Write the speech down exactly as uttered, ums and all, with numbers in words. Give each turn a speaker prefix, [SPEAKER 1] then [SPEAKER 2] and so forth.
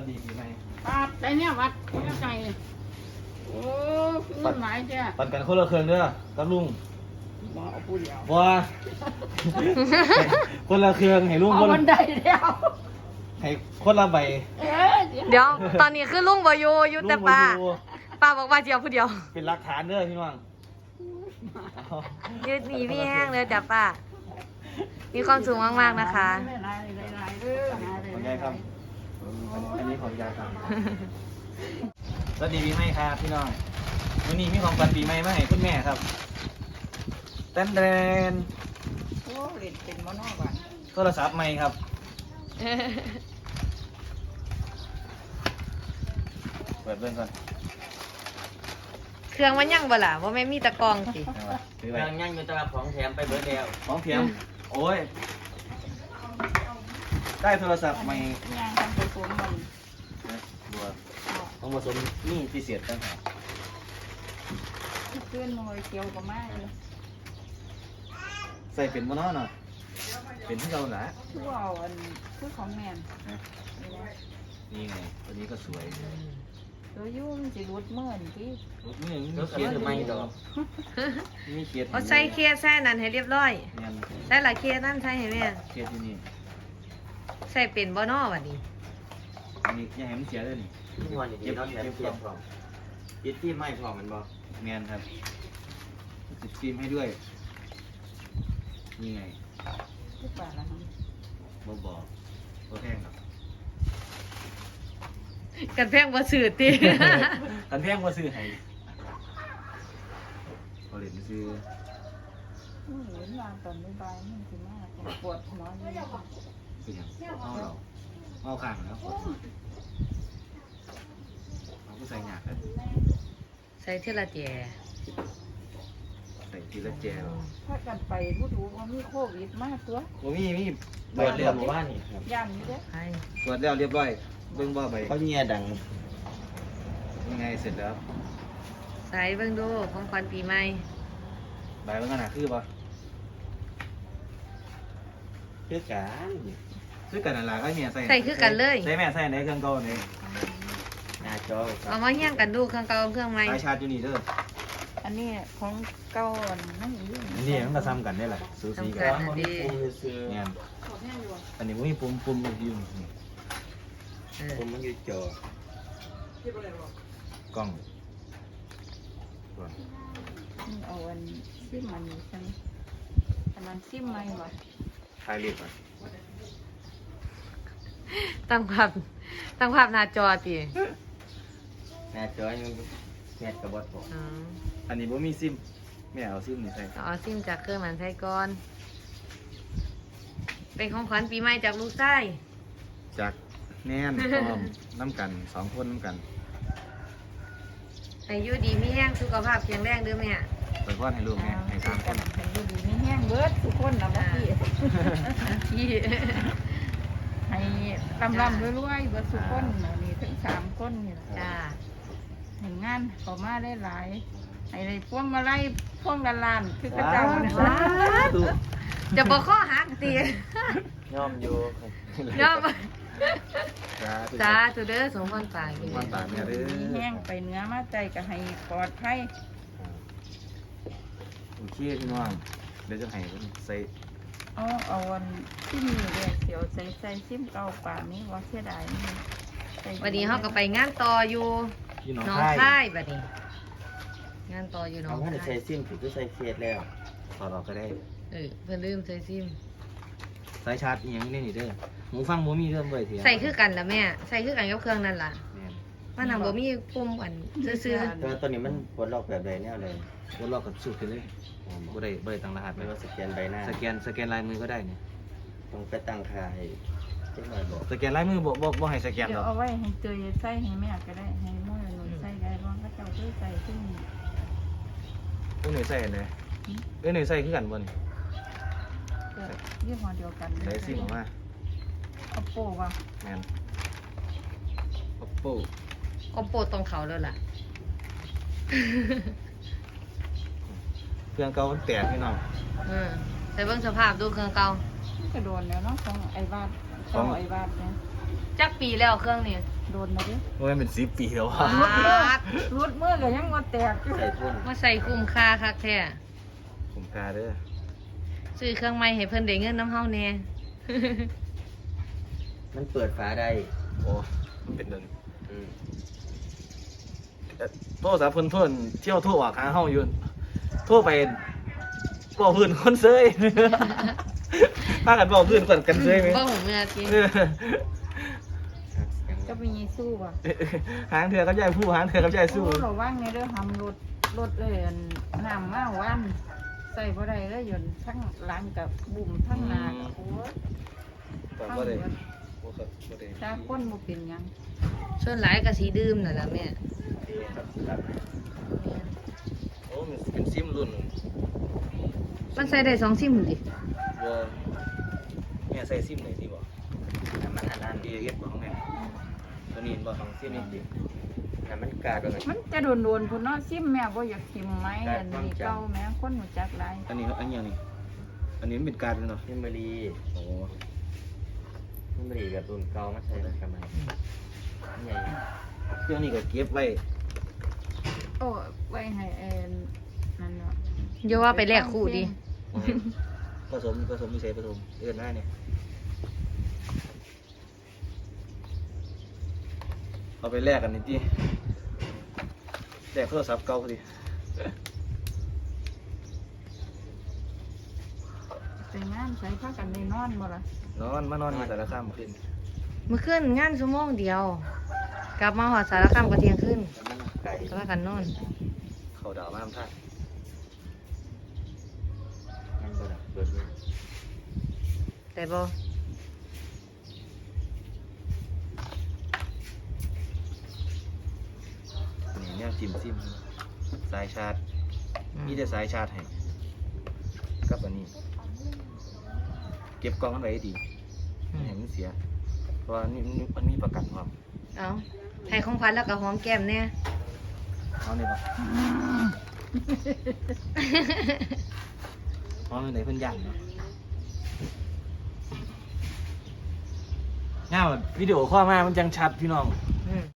[SPEAKER 1] ดีปีใหม่
[SPEAKER 2] ปาดใจเนี่ยวัดไม่เข้าใจโอ้เงินหลายจ้ะ
[SPEAKER 1] ปันกันคนละเครื่องเด้อกับลุง
[SPEAKER 2] บ่เอาผู้เดียว
[SPEAKER 1] บัว คนละเครื่องให้ลุง
[SPEAKER 2] เอา
[SPEAKER 1] คน
[SPEAKER 2] บั
[SPEAKER 1] ละ
[SPEAKER 2] นไดเดียว
[SPEAKER 1] ให้คนละใบ
[SPEAKER 2] เอ๊ะ
[SPEAKER 3] เดี๋ยวตอนนี้คือลุงบอยู่อยู่แต่ป้า
[SPEAKER 1] ลุงบ่อยู่
[SPEAKER 3] ป้าบอกว่าเดียวผู้เดียว
[SPEAKER 1] เป็นหลักฐานเด้อพี่น้องเอา
[SPEAKER 3] ยืดหนีพี่แห้งเลยจ้ะป้ามีความสุขมากๆนะคะ
[SPEAKER 2] หลายๆหลายๆเด้อหาได้
[SPEAKER 1] ของยายครับอันนี้ของยายครับสวัสดีปีใหม่ครับพี่น้องวันนี้มีของขวัญปีใหม่มาให้คุณแม่ครับเต้นเดน
[SPEAKER 2] โอ้เล่นเป็นมโนบ้าน
[SPEAKER 1] โทรศัพท์ใหม่ครับเปิดเบิ่งก่อน
[SPEAKER 3] เครื่องมันยังบ่ล่ะว่าไม่มีตะกรองสิ
[SPEAKER 1] เอาไว้ถือ
[SPEAKER 4] เค
[SPEAKER 1] ไว้
[SPEAKER 4] รื่องยังอยู่ตลาดของแถมไปเบิร์ดแล้ว
[SPEAKER 1] ของเทียมโอ้ยได้โทรศัพท์ใหม่
[SPEAKER 2] ย่างทำไปสวมมัน
[SPEAKER 1] นะบัวต้องผสมนี่พิเศษต่างหาก
[SPEAKER 2] เพื่อนมวยเกี่ยวกับไม้เลย
[SPEAKER 1] ใส่เป็นบ่เนาะเนาะเป็นที่เราหละ
[SPEAKER 2] คือเอาอันคือของแมน
[SPEAKER 1] นะ
[SPEAKER 2] นี่นะ
[SPEAKER 1] นี่ไงตัวนี้ก็สวย
[SPEAKER 2] ตัวยุ่งสิรุดเมื่อนที่
[SPEAKER 1] นี่ยัง
[SPEAKER 4] ร
[SPEAKER 1] มี
[SPEAKER 4] ถ
[SPEAKER 1] เขียน
[SPEAKER 4] จะไม่ดอก
[SPEAKER 1] มีเขียน
[SPEAKER 3] เอาใส่เคสใส่นั่นให้เรียบร้อย
[SPEAKER 1] เนี่ย
[SPEAKER 3] ใส่ละเคสนั่นใส่ให้แม่
[SPEAKER 1] เขียนที่นี่
[SPEAKER 3] ใส่เป็นบ่นอบัดนี้
[SPEAKER 1] อันนี้อยังให้มันเสียเลยนี่
[SPEAKER 4] ทุกวันนี้เราแถมเทียมพร้อมปิดที่ไม่พร้อมมันบอก
[SPEAKER 1] เมียนครับติดฟิล์มให้ด้วยนี่ไง
[SPEAKER 2] ทุกบาทละครับ
[SPEAKER 1] บ่บอกบ่แห้งครับ
[SPEAKER 3] กันแพงบ่สื่อติ
[SPEAKER 1] กันแพงว่าซื้อให้เอาเหรียญไปซื้อ
[SPEAKER 2] อืมเห็นวางตอนบ่ายๆมันสิมากปวดหัวอยู่
[SPEAKER 1] เป็นหยังเอาเราเอาข้างแล้วกดเอาก็ใส่หยาดเลย
[SPEAKER 3] ใส่เทละแจ
[SPEAKER 1] ใส่ทีละแจว
[SPEAKER 2] ถ้ากันไปผู้ดูว่ามีโควิดมากตัว
[SPEAKER 1] โอ้มีมี
[SPEAKER 4] เบิร์ดแล้วหมู่บ้านนี่ครับ
[SPEAKER 2] ย่านนี้เด้อ
[SPEAKER 3] ให้
[SPEAKER 1] ตรวจแล้วเรียบร้อยเบิ่งบ่ไป
[SPEAKER 4] เขาเงียดัง
[SPEAKER 1] ยังไงเสร็จแล้ว
[SPEAKER 3] ใส่เบิ่งดูของขวัญปีใหม่
[SPEAKER 1] ใบมันขนาดคือบ่
[SPEAKER 4] คือการ
[SPEAKER 1] ซื้อกันนั่นล่ะก็เนี่ยใส่
[SPEAKER 3] ใส่คือกันเลย
[SPEAKER 1] ใส่แม่ใส่ในเครื่องเก่านี่
[SPEAKER 4] หน้าจอครั
[SPEAKER 3] เอา
[SPEAKER 4] บ
[SPEAKER 3] มาเฮี้ยงกันดูเครื่องเก่าเครื่องใหม่
[SPEAKER 1] สายชาร์จอยู่นี่เด้อ
[SPEAKER 2] อันนี้ของเก่าอันนั่นอยู่
[SPEAKER 1] อันนี้มันก็ซ้ำกันได้แหละสูสีกั
[SPEAKER 3] ซ้ำ
[SPEAKER 1] น
[SPEAKER 3] กัน
[SPEAKER 4] ดีซื้อ
[SPEAKER 1] เนี่ยอันนี้มันมีปุ่มปุ่มอยู่นี่
[SPEAKER 3] เออ
[SPEAKER 4] ผมมันอยู่จอก
[SPEAKER 1] ล้องก่อน
[SPEAKER 2] เอาอันซิมมันนี่ใช่ไหมอันนั้นซิมไหมวะ
[SPEAKER 1] ถ่ายรูปก่อน
[SPEAKER 3] ตั้งภาพตั้งภาพหน้าจอติ
[SPEAKER 4] หน้าจอยังแมทกับบอสผม
[SPEAKER 3] อ๋อ
[SPEAKER 1] อันนี้บ่มีซิมแม่เอาซิมนี่ใส่
[SPEAKER 3] เอาซิมจากเครื่องมันใช้ก่อน เป็นของขวัญปีใหม่จากลูกไส้
[SPEAKER 1] จากแน่นพร้อมน้ำกันสองคนน้ำกัน
[SPEAKER 3] อายุดีมีแห้งสุขภาพแข็งแรงเด้อแม่
[SPEAKER 1] เปิดพอดให้ลูกแม่ให้สามคน
[SPEAKER 2] ให้ดูดีไม่แห้งเบิดทุกคนนะเมื่อกี้
[SPEAKER 3] พี่
[SPEAKER 2] ให้ลำลำรวยๆเบิดทุกคนน่ะนี่ทั้งสามคนนี่แหละ
[SPEAKER 3] จ้า
[SPEAKER 2] เห็นงานเขามาได้หลายให้ได้พวงมาไล่พวงละลานคือกระเจ้าเนี่ย
[SPEAKER 3] ว้าวจะบอกข้อหักตี
[SPEAKER 4] ย่อมอยู่
[SPEAKER 3] ยอม
[SPEAKER 1] จ้า
[SPEAKER 3] จ้าตัวเด้อสมพรปาก
[SPEAKER 1] ความต่างเนี่ยเด้อ
[SPEAKER 2] มีแห้งไปเนื้อมาใจก็ให้ปลอดภัย
[SPEAKER 1] โอเคพี่น้องเดี๋ยวจะให้เพิ่นใส่
[SPEAKER 2] เอาเอาวันที่มีเรียกเสียวใส่ใส่ซิมเก่าป่านนี้ว่าเสียดายนี่ใส่
[SPEAKER 3] วันนี้เขาก็ไปงานต่ออยู่
[SPEAKER 1] พี่น้อง
[SPEAKER 3] หน้อง
[SPEAKER 1] ค่าย
[SPEAKER 3] ค่ายบัดนี้ งานต่ออยู่หน้อ
[SPEAKER 4] เอา
[SPEAKER 3] ง
[SPEAKER 4] ว่าจะ
[SPEAKER 3] ค่า
[SPEAKER 4] ใช้
[SPEAKER 3] ย
[SPEAKER 4] ซิมถือก็ใช้เคสแล้ว
[SPEAKER 1] ถอดออกก็ได้
[SPEAKER 3] เออเพิ่นลืมใส่ซิม
[SPEAKER 1] สายชาร์จอีหยังนี่นี่เด้อหมูฟังบ่มีเริ่มเลยเถียง
[SPEAKER 3] ใส่คือกันละแม่ ใส่คือกันกับเครื่องนั่นล่ะ
[SPEAKER 1] แม่น
[SPEAKER 3] มันนำบ่มีปุ่มอันซื่อ
[SPEAKER 4] แต่ว่าตัวนี้มันปลดล็อกแบบใดแนวเลย
[SPEAKER 1] บ่ลอกกับสูตรกันเลยบ่ได้บ่ได้ตั้งรหัส
[SPEAKER 4] ไม่
[SPEAKER 1] ไว้
[SPEAKER 4] ว่าสแกนใบหน้า
[SPEAKER 1] สแกนสแกนลายมือก็ได้เนี่ย
[SPEAKER 4] ต้องไปตั้งค่าให้เจ้าหน่อยบอก
[SPEAKER 1] สแกนลายมือบ่บ่บ่ให้สแกน
[SPEAKER 2] เดี๋
[SPEAKER 1] ห
[SPEAKER 2] ย
[SPEAKER 1] ร
[SPEAKER 2] ว
[SPEAKER 1] อก
[SPEAKER 2] เอาไว้ให้เตยใส่ให้แม่ก็ได้ให้มั่วหนุนใส่ได้บ้างก็เจ้าด้วยใส่ซึ่ง
[SPEAKER 1] เอ้ยหน่วยใส่อันใดเอ้ยหน่วยใส่คือกันบ่นี่
[SPEAKER 2] เกิดยี่ห้อเดียวกัน
[SPEAKER 1] ใส่ซิมออกมา
[SPEAKER 2] เอาโป้ว่ะ
[SPEAKER 1] แม่น Oppo
[SPEAKER 3] ๆก็โปรดตรงเขาแล้วล่ะ
[SPEAKER 1] เครื่องเก่ามันแตกพี่น้อง
[SPEAKER 3] เออใส่เบิ่งสภาพดูเครื่องเก่า
[SPEAKER 2] มันกระโดนแล้วเนาะของไอ้บาดของไอ้บาดเนี่ย
[SPEAKER 3] จักปีแล้วเครื่องนี้
[SPEAKER 1] ส
[SPEAKER 2] โดนมาดิ
[SPEAKER 1] ว่ามันเป็นสิบปีแล้ว
[SPEAKER 3] ปา
[SPEAKER 1] ว่ะ
[SPEAKER 3] ด
[SPEAKER 2] รุดมือก็ยังบ่แตกอยู่
[SPEAKER 4] ใส่ทุ่น
[SPEAKER 3] มาใส่คุ้มค่าคักแท้
[SPEAKER 1] ผมกล้าเด้อ
[SPEAKER 3] ซื้อเครื่องใหม่ให้เพิ่นได้เงินน้ำเฮาแน่
[SPEAKER 4] มันเปิดฝาได้
[SPEAKER 1] โอ้มันเป็นเดิน
[SPEAKER 4] อืม
[SPEAKER 1] โทรศัพท์เพิ่นเพิ่นเที่ยวโทรออกหาเฮาอยู่โทรไปบอกเพื่อนคนเซย พากันบอกเพื่อนกันกันเซยไหม
[SPEAKER 3] บ่ผมเมื่อกี้
[SPEAKER 1] เออ
[SPEAKER 2] ก็มีสู้บ่
[SPEAKER 1] หางเถื่อกับยายผู้หางเถื่อกับยายสู้
[SPEAKER 2] โอ้ระวังในเด้อทำรถรถเลยอันน้ำมาวันใส่บ่ได้เลยยนต์ทั้งหลังกับบุ่มทั้งหน้ากับโอ้ย
[SPEAKER 1] แต่
[SPEAKER 2] ทั้ง
[SPEAKER 1] บ่ได้
[SPEAKER 2] เบิด
[SPEAKER 1] บ่ครับบ่ได้
[SPEAKER 2] จ้าคนบ่เป็นหยัง
[SPEAKER 3] ส่วนหลายก็สีดื่มนั่นล่ะแม่
[SPEAKER 4] ครับครับ
[SPEAKER 1] โอ้มันเป็นซิมรุ่น
[SPEAKER 3] มันใส่ได้สองซิมดิ
[SPEAKER 1] บ่แม่ใส่ซิมไหนสิบ่
[SPEAKER 4] น้ำมันอันนั้น
[SPEAKER 1] ดีเฮ็ดบ่ของแม่ตัวนี้เห็นบ่
[SPEAKER 4] ของซิมนี่ดิน้ำมันกาดเลย
[SPEAKER 2] มันจะโดนๆพุ่นเนาะซิมแม่บ่อยากซิมไหมอันนี้เก่าแม่คนรู้จักหลาย
[SPEAKER 1] อันนี้อันยังนี่อันนี้มันเป็นการเนาะ
[SPEAKER 4] เมมโมรี
[SPEAKER 1] โอ้
[SPEAKER 4] เมมโมรีกับรุ่นเก่ามาใส่กันมาใหญ่
[SPEAKER 1] เครื่องนี้ก็เก็บไว้
[SPEAKER 2] โอ้ไว้ให้เอ็นนั่นเนาะ
[SPEAKER 3] อย่าว่าไปแลกคู่ดิ
[SPEAKER 1] ผสมผสมมีใส่ผสมเอื้อนหน้าเนี่ยเอาไปแลกกันนิดดิแลกโทรศัพท์เก่าพอดี
[SPEAKER 2] ไปงานใส่ผ้ากันได้นอนบ่ล่ะ
[SPEAKER 1] นอนมานอนอยู่แต่ละข้ามขึ้น
[SPEAKER 3] เมื่อคืนงานชั่วโมงเดียว กลับมาหอดสารคามก็เที่ยงคืน
[SPEAKER 4] น้ำมันไก่
[SPEAKER 3] ก็ว่ากันนอน
[SPEAKER 1] เขาดาวมาทำท่า
[SPEAKER 4] งั้นก็เปิดเลย
[SPEAKER 3] แต่บ่
[SPEAKER 1] นี่เนี่ยจิ้มซิมสายชาร์จมีแต่สายชาร์จให้กับอันนี้ เก็บกล้องมันไว้ให้ดีไม่ให้มันเสีย เพราะว่านี่มันมีประกันความ
[SPEAKER 3] เอาให้ของขวัญแล้วก็หอมแก้มแน่
[SPEAKER 1] เอาเนี่ยปะเอาไหนเพิ่นย่างเนาะง่ายวิดีโอข้อลมามันจังชัดพี่น้อง
[SPEAKER 3] อืม